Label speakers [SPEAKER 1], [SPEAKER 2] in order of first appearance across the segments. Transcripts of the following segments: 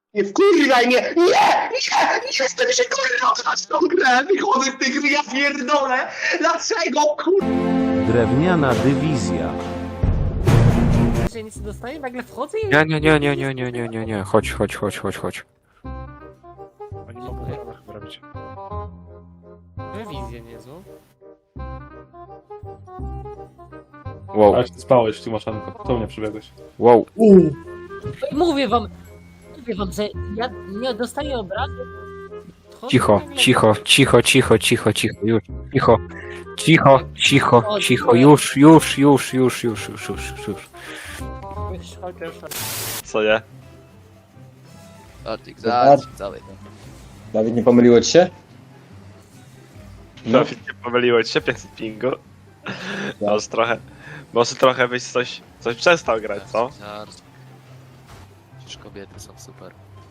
[SPEAKER 1] Nie wkurwaj mnie! Nie! Nie! Nie chcę się kurwa grać tą grę! Wychodzę z tych gry, ja pierdolę! Dlaczego kurwa?
[SPEAKER 2] Drewniana dywizja.
[SPEAKER 3] Że nic nie dostaję, nagle wchodzę i...
[SPEAKER 4] Nie. Chodź.
[SPEAKER 5] Oni mogą chyba robić.
[SPEAKER 3] Rewizję niezłą.
[SPEAKER 4] Wow,
[SPEAKER 5] Ale się spałeś, Timoszenko. To mnie przybiegłeś.
[SPEAKER 4] wow.
[SPEAKER 3] Mówię wam, że ja nie dostaję obrazu. Wchodzę
[SPEAKER 4] Cicho,
[SPEAKER 3] nagle-
[SPEAKER 4] cicho, już. Cicho, już.
[SPEAKER 6] Co nie?
[SPEAKER 7] Żarcik, żarcik, cały.
[SPEAKER 1] Dawid, nie pomyliło ci się?
[SPEAKER 6] No, nie pomyliło ci się, 500 pingu. Może trochę byś coś przestał grać, co?
[SPEAKER 7] Żarcik. Przecież kobiety są super.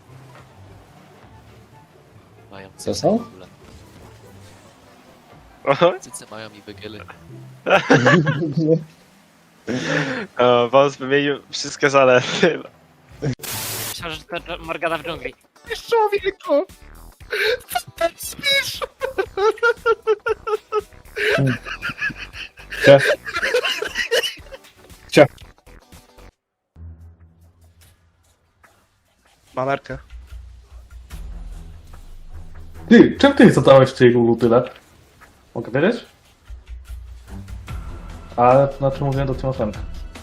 [SPEAKER 7] Mają
[SPEAKER 1] Co
[SPEAKER 7] cyce
[SPEAKER 1] są?
[SPEAKER 7] w ogóle. Cyce mają i wygiely.
[SPEAKER 6] Wąs wymienił wszystkie zalety.
[SPEAKER 3] Myślałem, że to Morgana w dżungli.
[SPEAKER 4] Człowieku!
[SPEAKER 5] Mamerkę. Ty, czym ty zadałeś tej Lulu tyle? Mogę wiedzieć? Ale to znaczy mówiłem do Timoszenka.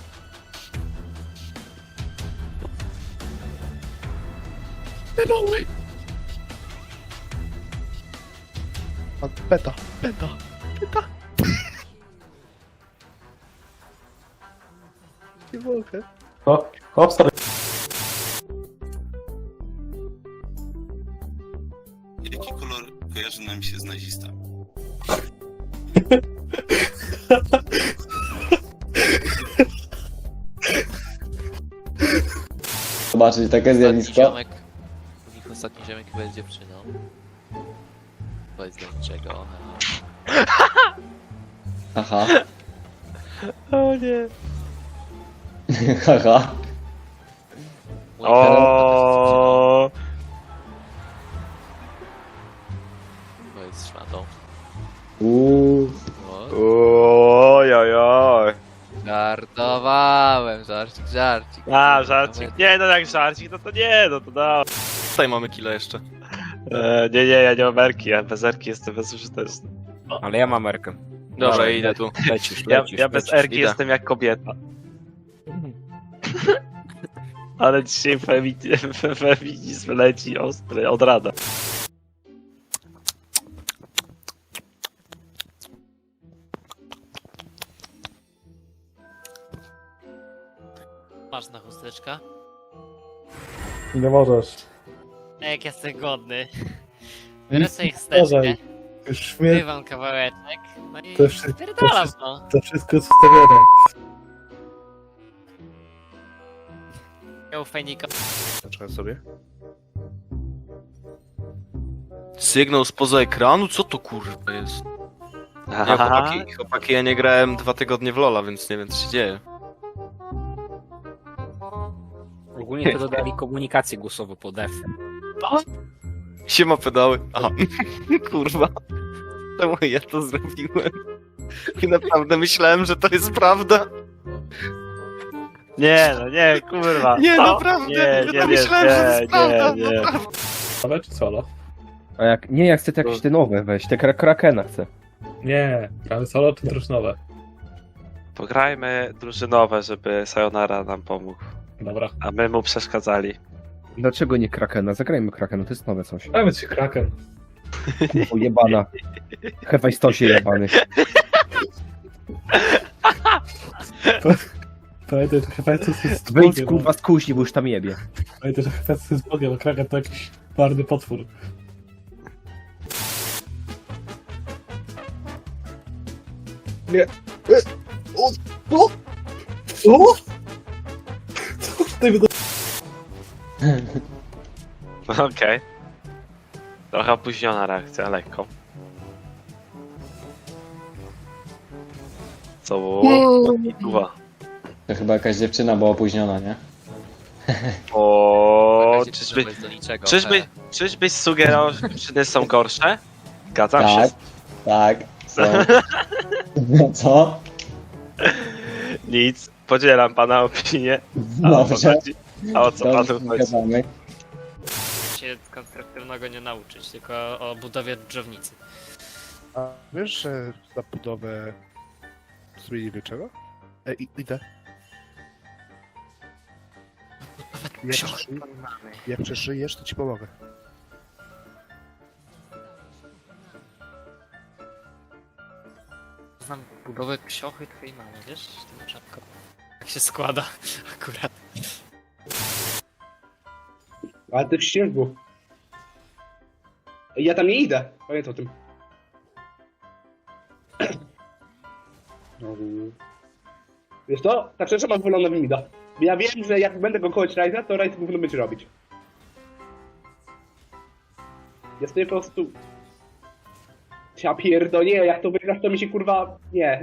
[SPEAKER 8] Beta. Nie mogę.
[SPEAKER 5] O, hop, stary.
[SPEAKER 9] Jaki kolor kojarzy nam się z nazistą?
[SPEAKER 1] Zobaczyć takie
[SPEAKER 7] Ostatni
[SPEAKER 1] zjawisko.
[SPEAKER 7] ziomek, u nich ostatni ziomek będzie dziewczyną. Powiedz do niczego.
[SPEAKER 1] Haha.
[SPEAKER 6] O nie.
[SPEAKER 1] Haha.
[SPEAKER 7] Mój Karol
[SPEAKER 6] O.
[SPEAKER 7] powiedz szmatą.
[SPEAKER 1] Uuu.
[SPEAKER 6] Ojojoj.
[SPEAKER 7] Żartowałem, żarcik.
[SPEAKER 6] A, żarcik. Nie, no jak żarcik, no to nie, no to da.
[SPEAKER 4] Tutaj mamy kilo jeszcze.
[SPEAKER 6] Nie, ja nie mam erki, ja bez erki jestem bezużyteczny.
[SPEAKER 4] Ale ja mam merkę.
[SPEAKER 7] Dobra,
[SPEAKER 4] Dawaj,
[SPEAKER 7] idę tu.
[SPEAKER 4] Lecisz.
[SPEAKER 6] Ja bez erki
[SPEAKER 7] idę.
[SPEAKER 6] jestem jak kobieta. Ale dzisiaj feminizm leci ostry, od rana.
[SPEAKER 3] Masz na chusteczka?
[SPEAKER 5] Nie możesz.
[SPEAKER 3] Jak jestem godny. Biorę sobie chusteczkę,
[SPEAKER 8] Uważaj. Już mnie
[SPEAKER 3] wyrywam kawałeczek, no i
[SPEAKER 8] To wszystko-
[SPEAKER 3] spierdalam, no.
[SPEAKER 8] to wszystko jest ustawione.
[SPEAKER 3] Miał fejnika.
[SPEAKER 5] Zacząłem sobie.
[SPEAKER 4] Sygnał spoza ekranu? Co to kurwa jest? Ja, chłopaki, ja nie grałem 2 tygodnie w LoL'a, więc nie wiem co się dzieje.
[SPEAKER 2] Ogólnie to dodali komunikację głosową pod F.
[SPEAKER 4] Siema pedały. Aha. Kurwa. Czemu ja to zrobiłem? I naprawdę myślałem, że to jest prawda.
[SPEAKER 6] Nie, no nie, kurwa.
[SPEAKER 4] Nie,
[SPEAKER 6] Co?
[SPEAKER 4] naprawdę.
[SPEAKER 6] Nie,
[SPEAKER 4] Ja myślałem, że to jest prawda.
[SPEAKER 6] nie.
[SPEAKER 5] Ale czy solo?
[SPEAKER 10] A jak nie, ja chcę te jakieś te nowe weź, te Krakena chcę.
[SPEAKER 5] Nie, gramy solo czy drużynowe?
[SPEAKER 6] Pograjmy drużynowe, żeby Sayonara nam pomógł.
[SPEAKER 5] Dobra.
[SPEAKER 6] A my mu przeszkadzali.
[SPEAKER 10] Dlaczego nie Krakena? Zagrajmy Krakena, to jest nowe coś.
[SPEAKER 5] Dajmy ci Kraken.
[SPEAKER 10] O jebana. Hefajstosie jebany.
[SPEAKER 5] Pamiętaj, że Hefestus jest
[SPEAKER 10] Wyjdź
[SPEAKER 5] Bogiem.
[SPEAKER 10] kurwa z kuźni, bo już tam jebie.
[SPEAKER 5] Pamiętaj, że Hefestus jest Bogiem, a Kraken to jakiś marny potwór. Nie. O! Co ty mi
[SPEAKER 6] Okej. Trochę opóźniona reakcja, lekko. Co było?
[SPEAKER 1] To chyba jakaś dziewczyna była opóźniona, nie?
[SPEAKER 4] O,
[SPEAKER 7] Na razie to jest do niczego.
[SPEAKER 4] czyżbyś sugerował, że dziewczyny są gorsze? Zgadzam się.
[SPEAKER 1] Tak, co? Co?
[SPEAKER 4] Nic, podzielam pana opinię. A o co chodzi? A o co panu chodzi?
[SPEAKER 3] Się konstruktywnego nie nauczyć, tylko o budowie drzewnicy.
[SPEAKER 8] A wiesz, że za budowę zmienimy czego? Idę. Jak przeżyjesz, to ci pomogę.
[SPEAKER 3] Znam budowę ksiochy twojej mamy, wiesz? Tym rzadko. Jak się składa akurat.
[SPEAKER 1] Ale ty w śniegu. Ja tam nie idę. Pamiętaj o tym. Wiesz co? Ta przecież ma wygląda w mida. Ja wiem, że jak będę go kołać Ryza, to Ryz gówno będzie robić. Ja stoję po prostu... Ja pierdolę, jak to wygrasz, to mi się kurwa... Nie.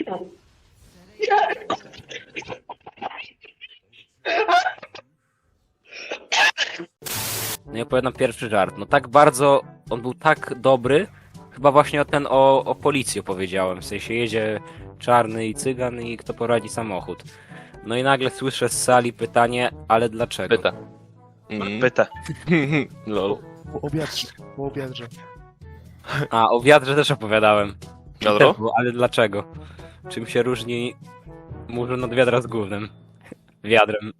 [SPEAKER 2] No i opowiadam pierwszy żart. No tak bardzo, on był tak dobry, chyba właśnie o policji opowiedziałem. W sensie jedzie czarny i cygan i kto poradzi samochód. No i nagle słyszę z sali pytanie, ale dlaczego?
[SPEAKER 4] Pyta. Pyta. Lol.
[SPEAKER 8] Po obiadrze.
[SPEAKER 2] A, o wiadrze też opowiadałem.
[SPEAKER 4] Wiadro?
[SPEAKER 2] Też było, ale dlaczego? Czym się różni murzyn od wiadra z gównem? Wiadrem.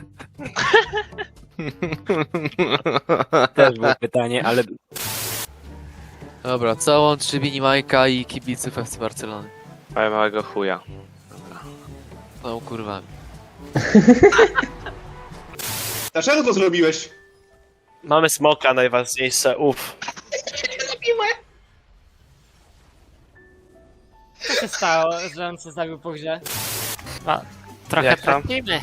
[SPEAKER 2] Też było pytanie, ale
[SPEAKER 7] Dobra, co łączy Minimajka i kibiców FC Barcelony?
[SPEAKER 4] Ale małego chuja.
[SPEAKER 7] Są kurwami.
[SPEAKER 1] Dlaczego to zrobiłeś?
[SPEAKER 4] Mamy smoka, najważniejsze,
[SPEAKER 3] Co się stało, że on się zabił po grze? Trochę
[SPEAKER 4] Jak tam?
[SPEAKER 3] tracimy.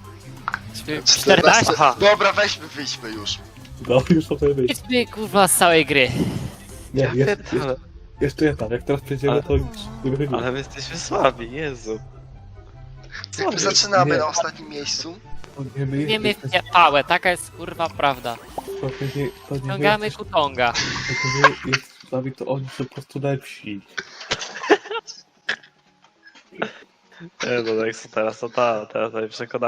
[SPEAKER 7] 14?
[SPEAKER 4] Aha.
[SPEAKER 9] Dobra, wyjdźmy już.
[SPEAKER 5] No już sobie wyjść.
[SPEAKER 3] Idźmy kurwa z całej gry.
[SPEAKER 5] Nie, jeszcze nie tam. Jak teraz przejdziemy, to już nie wychodzimy.
[SPEAKER 4] Ale my jesteśmy słabi, Jezu.
[SPEAKER 5] Zaczynamy
[SPEAKER 9] na ostatnim miejscu.
[SPEAKER 5] To nie my
[SPEAKER 3] Wiemy
[SPEAKER 5] jesteśmy-
[SPEAKER 3] w pałę, taka jest kurwa prawda.
[SPEAKER 5] to nie my
[SPEAKER 3] Ciągamy
[SPEAKER 5] jesteśmy-
[SPEAKER 3] kutonga.
[SPEAKER 5] to nie jest słabi, to oni są po prostu lepsi.
[SPEAKER 4] No tak, teraz to teraz przekonałem.